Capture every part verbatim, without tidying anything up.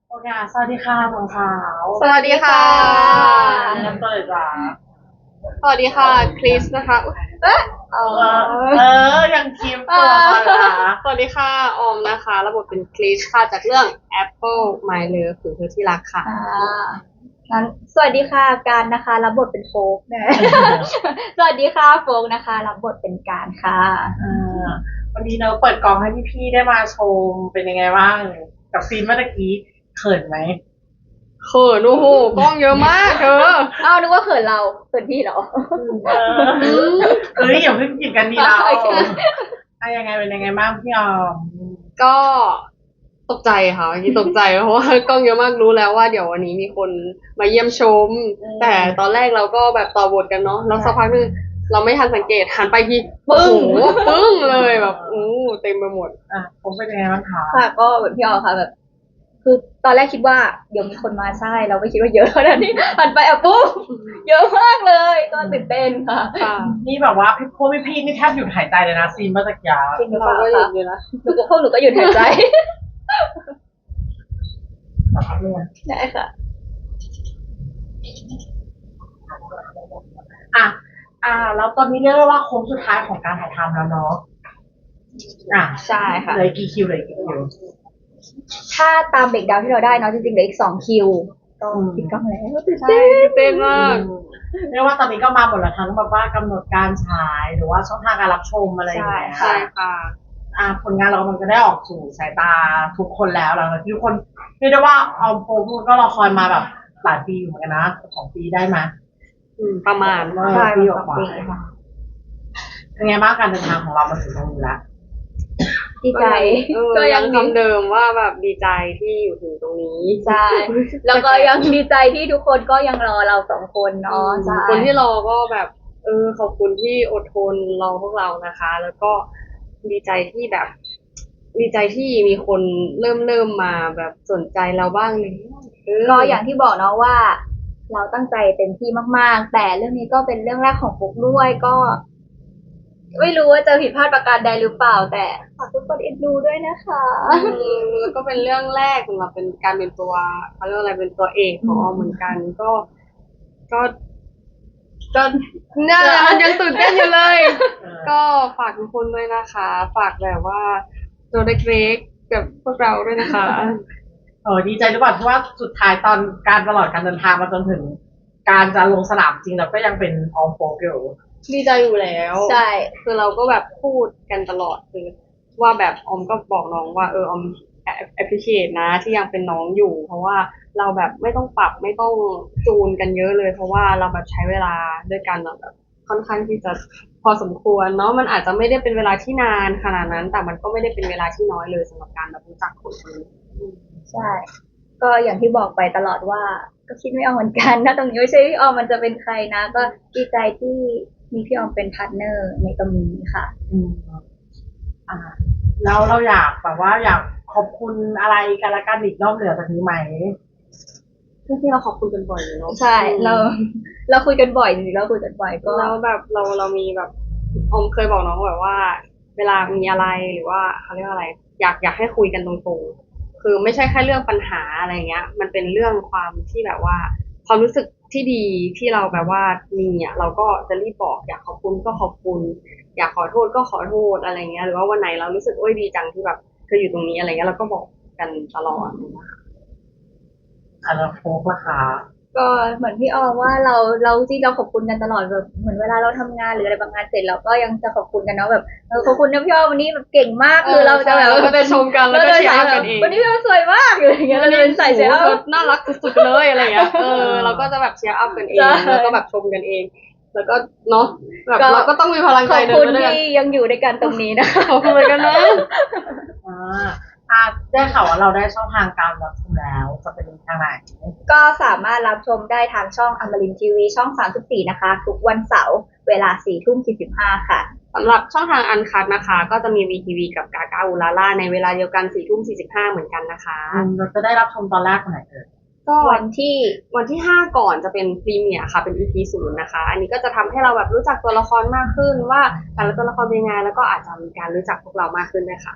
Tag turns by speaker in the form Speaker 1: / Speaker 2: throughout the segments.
Speaker 1: โอเคค่ะสวัสดีค่ะทองขาว
Speaker 2: สวัสดีค่ะ
Speaker 1: แนะนำตัวเลยจ้า
Speaker 2: สวัสดีค่ะคริสนะคะอุ๊ยเอ๊ะเอ
Speaker 1: เออเอ
Speaker 2: อ
Speaker 1: อยังคีมตัวมาละ
Speaker 2: สวัสดีค่ะออมนะคะระบบเป็นคริสค่ะจากเรื่อง Apple My Love คือเธอที่รักค่ะ
Speaker 3: อ่างั้นสวัสดีค่ะการนะคะรับบทเป็นโฟกนะ สวัสดีค่ะโฟกนะคะรับบทเป็นการค่ะ
Speaker 1: เออวันนี้เราเปิดกองให้พี่ๆได้มาชมเป็นยังไงบ้างกับซีนเมื่อตะกี้เขินไหม
Speaker 2: เขินโอ้โหกล้องเยอะมากเธอ
Speaker 3: เอ้านึกว่าเขินเราเขินพี่เหรอ
Speaker 1: เออเอ้ยอย่าเพิ่งกินกันดีเรา
Speaker 3: โอเค
Speaker 1: อะยังไงเป็นยังไงบ้างพี่ออม
Speaker 2: ก็ตกใจค่ะเมื่อกี้ตกใจเพราะว่ากล้องเยอะมากรู้แล้วว่าเดี๋ยววันนี้มีคนมาเยี่ยมชม แต่ตอนแรกเราก็แบบต่อบทกันเนาะแล้วสักพักนึงเราไม่ทันสังเกตหันไปทีปึ้งปึ้งเลยแบบอู้เต็มไปหมด
Speaker 1: อ่ะผมเป็นยังไงบ้างคะ
Speaker 3: ค่ะก็เหมือนพี่ออค่ะแบบ คือตอนแรกคิดว่าเดี๋ยวมีคนมาใช่ เราไม่คิดว่าเยอะขนาดนี้หันไปอ่ะปุ๊บเยอะมากเลยก็ตื่นเต้นค่ะ
Speaker 2: ค่ะ
Speaker 1: นี่แบบว่าพี่พวกพี่ๆนี่แทบหยุดหายใจเลยนะซีนเมื่อตะกี้
Speaker 3: จริงหรือเป
Speaker 2: เรา
Speaker 3: ล่า
Speaker 2: ก็หยุ
Speaker 3: คะ
Speaker 2: ดอยู่นะ
Speaker 3: หนูก็พวกหนูก็หยุดหายใจ
Speaker 1: สักพักหนึง
Speaker 3: ได้ค่ะ
Speaker 1: อ่ะอ่าแล้วตอนนี้เรียกได้ว่าโค้งสุดท้ายของการถ่ายทำแล้วเนาะอ่ะ
Speaker 3: ใช่ค่ะ
Speaker 1: เหลือกี่คิวเหลือกี่คิว
Speaker 3: ถ้าตามเบรกดาวน์ที่เราได้เนาะจริงๆเหลืออีกสองคิวก็ปิดกล้องแล้วตื่น
Speaker 2: ใช่
Speaker 3: เต้น
Speaker 2: ตื่นเต้นมาก
Speaker 1: เรียกว่าตอนนี้ก็มาหมดแล้วทั้งแบบว่ากำหนดการฉายหรือว่าช่องทางการรับชมอะไรอย่างเงี้ย
Speaker 2: ใช่ค่ะ
Speaker 1: อ่าผลงานเรากำลังจะได้ออกสู่สายตาทุกคนแล้วหลังจากที่ทุกคนเรียกได้ว่าออมโฟมก็รอคอยมาแบบหลายปีอยู่เหมือนกันนะสองปีได้ไหม
Speaker 2: อืมประมาณ
Speaker 1: เออ
Speaker 3: ใช่
Speaker 1: ปี
Speaker 3: สอง
Speaker 1: กว่า
Speaker 3: ปีค่ะ
Speaker 1: เป็นไงบ้างการเดินทางของเรามาถึงตรงนี้แล้ว
Speaker 3: ดีใจ
Speaker 2: เออ
Speaker 3: ก็
Speaker 2: ยั
Speaker 3: ยัง ง
Speaker 2: คำเดิมว่าแบบดีใจที่อยู่ถึงตรงนี้
Speaker 3: ใช่แล้วก็ยังดีใจที่ทุกคนก็ยังรอเราสองคนเนาะใช่
Speaker 2: คนที่รอก็แบบ เออขอบคุณที่อดทนรอพวกเรานะคะ แล้วก็ดีใจที่แบบ ดีใจที่มีคนเริ่มเริ่มมาแบบสนใจเราบ้างเลยเ
Speaker 3: ก็อย่างที่บอกเนาะว่า เราตั้งใจเต็มที่มากๆ แต่เรื่องนี้ก็เป็นเรื่องแรกของปุ๊กด้วยก็ ไม่รู้ว่าจะผิดพลาดประการใดหรือเปล่า แต่ฝากทุกคนเอ็นดูด้วยนะคะ
Speaker 2: อืมแล้วก็เป็นเรื่องแรกสำหรับเป็นการเป็นตัวเขาเรียกว่าอะไรเป็นตัวเอกของออมเหมือนกัน ก็ ก็ ก็เนี่ยแหละมันยังตื่นเต้นอยู่เลย ก็ฝากทุกคนด้วยนะคะ ฝากแบบว่าตัวเล็กๆกับพวกเราด้วยนะคะ
Speaker 1: เออดีใจหรือเปล่าที่ว่าสุดท้ายตอนการตลอดการเดินทางมาจนถึง การจะลงสนามจริงเราก็ยังเป็นออมโฟกอยู่
Speaker 2: ดีใจอยู่แล้ว
Speaker 3: ใช่
Speaker 2: คือเราก็แบบพูดกันตลอดคือว่าแบบออมก็บอกน้องว่าเออออม appreciate นะที่ยังเป็นน้องอยู่ เพราะว่าเราแบบไม่ต้องปรับไม่ต้องจูนกันเยอะเลย เพราะว่าเราแบบใช้เวลาด้วยกันแบบค่อนข้างที่จะพอสมควรเนาะมันอาจจะไม่ได้เป็นเวลาที่นานขนาดนั้น แต่มันก็ไม่ได้เป็นเวลาที่น้อยเลยสำหรับการแบบรู้จักคนคนนี้
Speaker 3: ใช่ ก็อย่างที่บอกไปตลอดว่า ก็คิดไม่ออกเหมือนกันนะตรงนี้ไม่ใช่พี่ออมมันจะเป็นใครนะ ก็ดีใจที่มีพี่ออมเป็นพาร์ทเนอร์ในตรงนี้ค่ะ
Speaker 1: อืมอ่าแล้วเราอยากแบบว่าอยากขอบคุณอะไรกันละกันอีกนอกเหนือจากนี้ไหม
Speaker 2: ที่เราขอบคุณกันบ่อยอยู่เนาะ
Speaker 3: ใช่ เรา เราคุยกันบ่อยจริงๆเราคุยกันบ่อยก็
Speaker 2: แล้วแบบเราเรามีแบบอมเคยบอกน้องแบบว่า เวลามีอะไรหรือว่าเขาเรียกว่าอะไร อยากอยากให้คุยกันตรงๆคือไม่ใช่แค่เรื่องปัญหาอะไรเงี้ย มันเป็นเรื่องความที่แบบว่า ความรู้สึกที่ดีที่เราแบบว่ามีอ่ะเราก็จะรีบบอกอยากขอบคุณก็ขอบคุณ อยากขอโทษก็ขอโทษอะไรเงี้ยหรือว่าวันไหนเรารู้สึกโอ้ยดีจังที่แบบเธออยู่ตรงนี้อะไรเงี้ยเราก็บอกกันตลอด
Speaker 1: อ่าแล้วโฟกล่ะคะ
Speaker 3: ก็เหมือนพี่ออมว่าเราเราที่เราขอบคุณกันตลอดแบบเหมือนเวลาเราทำงานหรืออะไรบางงานเสร็จเราก็ยังจะขอบคุณกันเนาะแบบเออขอบคุณนะพี่ออมวันนี้แบบเก่งมากคือเราจะแบบ
Speaker 2: เราก็จะชมกันแล้วก็เชียร์อัพกันเอง
Speaker 3: วันนี้พี่ออมสวยมากอะไรอย่างเงี้ยเราจะเป็นใส่เชียร์อัพ
Speaker 2: น่ารักสุดๆเลยอะไรเงี้ยเออเราก็จะแบบเชียร์อัพกันเอง
Speaker 3: ใช่
Speaker 2: แล้วก็แบบชมกันเอง แล้วก็เนาะแบบ
Speaker 3: ก็
Speaker 2: เราก็ต้องมีพลัง
Speaker 3: ข
Speaker 2: ใจ
Speaker 3: อบ
Speaker 2: เดิ
Speaker 3: คุ
Speaker 2: น
Speaker 3: ณ
Speaker 2: ไปด้วยกัน
Speaker 3: ที่ยังอยู่ด้วยกันตรงนี้นะคะ
Speaker 2: ขอบคุณเหมือนกันนะ
Speaker 1: อ่าอ่าได้ข่าวว่าเราได้ช่องทางการรับชมแล้วจะเป็นทางไหน
Speaker 3: ก็สามารถรับชมได้ทางช่องอมรินทร์ทีวีช่องสามสิบสี่นะคะ ทุกวันเสาร์เวลาสี่ทุ่มสี่สิบห้าค่ะ
Speaker 2: สำหรับช่องทางอันคัดนะคะ ก็จะมี วี ที วี กับกากาอูลาล่าในเวลาเดียวกันสี่ทุ่มสี่สิบห้าเหมือนกันนะคะ
Speaker 1: อืมเราจะได้รับชมตอนแรกวันไหนเอ่ย
Speaker 2: ก็
Speaker 3: วันที่
Speaker 2: วันที่ห้าก่อนจะเป็นพรีเมียร์ค่ะเป็น อี พี ศูนย์นะคะ อันนี้ก็จะทำให้เราแบบรู้จักตัวละครมากขึ้นว่าแต่ละตัวละครเป็นยังไงแล้วก็อาจจะมีการรู้จักพวกเรามากขึ้นด้วยค่ะ
Speaker 1: อ่า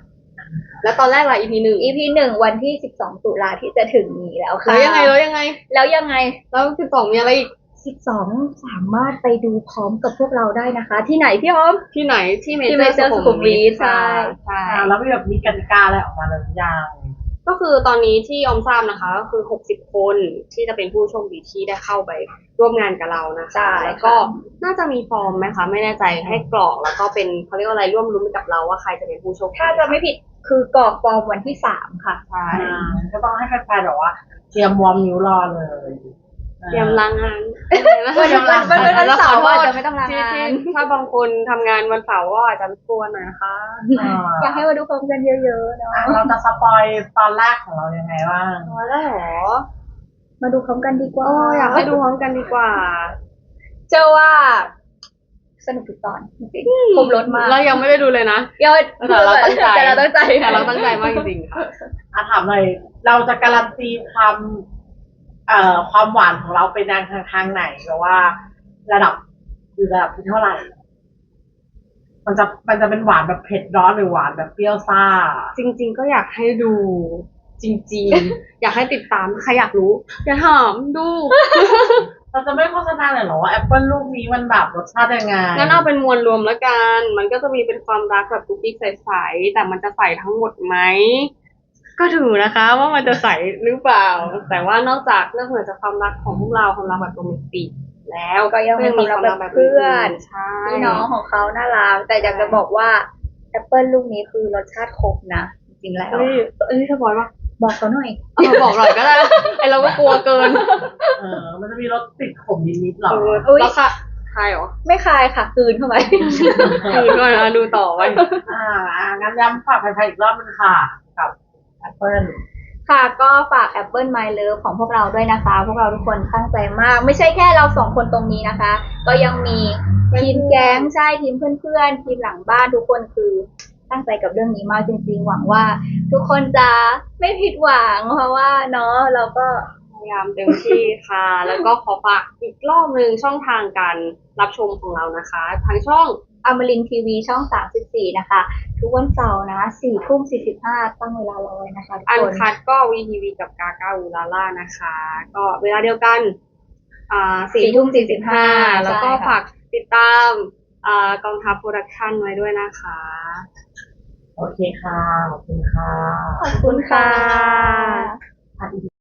Speaker 2: แล้วตอนแรกล่ะ อี พี หนึ่ง
Speaker 3: อี พี หนึ่งวันที่สิบสองตุลาที่จะถึงนี้แล้วค่ะ
Speaker 2: แล้วยังไงแล้วยังไง
Speaker 3: แล้วยังไง
Speaker 2: แล้วสิบสองมีอะไรอีก
Speaker 3: สิบสองสามารถไปดูพร้อมกับพวกเราได้นะคะ ที่ไหนพี่อ้อม
Speaker 2: ที่ไหนที่เม
Speaker 3: ที่
Speaker 2: เจอ
Speaker 3: Major
Speaker 2: ร์สุขุมวิท
Speaker 3: ใช่
Speaker 2: ใช่
Speaker 1: อ่าแล้วมีแบบมีกติกาอะไรออกมาเลยหรือยัง
Speaker 2: ก็คือตอนนี้ที่ออมทราบนะคะ ก็คือหกสิบคนที่จะเป็นผู้โชคดีที่ได้เข้าไปร่วมงานกับเรานะคะ
Speaker 3: ใช่
Speaker 2: แล้วก็น่าจะมีฟอร์มไหมคะไม่แน่ใจให้กรอกแล้วก็เป็นเขาเรียกว่าอะไรร่วมรุ้นไปกับเราว่าใครจะเป็นผู้โชคดี
Speaker 3: ถ้าจะไม่ผิดคือกรอกฟอร์มวันที่สามค่ะ
Speaker 2: ใช่
Speaker 1: อ่าก็ต้องให้แฟนๆแบบว่าเตรียมวอร์มนิ้วรอเลย
Speaker 2: เตรียมล้างงาน
Speaker 3: วันวันวันวันวันเสาร์อาจจะไม่ต้องลา
Speaker 2: ที่
Speaker 3: งา
Speaker 2: ที่
Speaker 3: น
Speaker 2: ถ้าบางคนทำงานวันเสาร์ก็อาจจะกลัวหน่อยนะคะ
Speaker 1: อ่า
Speaker 3: อยากให้มาดูพร้อมกันเยอะๆเนาะ
Speaker 1: อ่ะเราจะสปอยตอนแรกของเรายังไงบ้าง
Speaker 2: อ๋อแล้วเหรอ
Speaker 3: มาดูพร้อมกันดีกว่า
Speaker 2: โอ้อยากให้ดูพร้อมกันดีกว่า
Speaker 3: เชื่อว่า สนุกทุกตอนจริงๆครบรถมาก
Speaker 2: เรายังไม่ได้ดูเลยนะ
Speaker 3: ยอด
Speaker 2: แต่เราตั้งใจ
Speaker 3: แต่เราตั้งใจ
Speaker 2: แต่เราตั้งใจมากจริงๆค่ะ
Speaker 1: อ่ะถามเลยเราจะการันตีความเอ่อความหวานของเราเป็นทางทางไหนหรือว่า ระดับอยู่ระดับที่เท่าไหร่ มันจะมันจะเป็นหวานแบบเผ็ดร้อนหรือหวานแบบเปรี้ยวซ่า
Speaker 2: จริง ๆ ก็อยากให้ดูจริง ๆ อยากให้ติดตามใครอยากรู้ อย่าถามดู
Speaker 1: เราจะไม่โฆษณาเลยเหรอว่าแอปเปิลลูกนี้มันแบบรสชาติยังไง
Speaker 2: งั้นเอาเป็นมวลรวมแล้วกัน มันก็จะมีเป็นความรักแบบกุ๊กกิ๊กใสๆแต่มันจะใสทั้งหมดไหม ก็ถือนะคะว่ามันจะใสหรือเปล่า แต่ว่านอกจากเรื่องเหนือจากความรักของพวกเราความรักแบบโรแมนติกแล้ว
Speaker 3: ก็ยังมีความรักแบบเพื่อน
Speaker 2: ใช่
Speaker 3: พี่น้องของเขาน่ารักแต่อยากจะบอกว่าแอปเปิลลูกนี้คือรสชาติครบนะจริงๆแล้ว
Speaker 2: เอ้ยเอ้ยสปอยล์ปะ
Speaker 3: บอกเขาหน่อย
Speaker 2: เอามาบอกหน่อยก็ได้ ไอเราก็กลัวเกิน
Speaker 1: เออ มันจะมีรสติดขมนิดๆหรอ
Speaker 2: เออ
Speaker 3: อุ๊ย
Speaker 2: แล้วค่ะใครเหรอ
Speaker 3: ไม่คายค่ะกลืนเข้าไป
Speaker 2: คือด้วยนะดูต่อไว้
Speaker 1: อ่าอ่างั้นย้ำฝากแฟนๆอีกรอบนึงค่ะ กับแอปเปิล
Speaker 3: ค่ะก็ฝาก Apple My Love ของพวกเราด้วยนะคะ พวกเราทุกคนตั้งใจมาก ไม่ใช่แค่เราสองคนตรงนี้นะคะ ก็ยังมีทีมแก๊งใช่ทีมเพื่อนๆ ทีมหลังบ้านทุกคนคือตั้งใจกับเรื่องนี้มากจริงๆ หวังว่า ทุกคนจะไม่ผิดหวังเพราะว่าเนาะเราก็
Speaker 2: พยายามเต็มที่ค่ะ แล้วก็ขอฝากอีกรอบหนึ่งช่องทางการรับชมของเรานะคะทางช่อง
Speaker 3: อมรินทร์ทีวีช่องสามสิบสี่นะคะ ทุกวันเสาร์นะสี่ทุ่มสี่สิบห้าตั้งเวลารอไว้นะคะทุก
Speaker 2: อัน
Speaker 3: คน
Speaker 2: คัดก็วีทีวีกับกาก้าอูลาล่านะคะ ก็เวลาเดียวกัน อ่าสี่ทุ่มสี่สิบห้าแล้วก็ฝากติดตามอ่ากองทัพโปรดักชั่นไว้ด้วยนะคะ
Speaker 1: โอเคค่ะ ขอบคุณค่ะ
Speaker 3: ขอบคุณค่ะ
Speaker 1: อ่ะ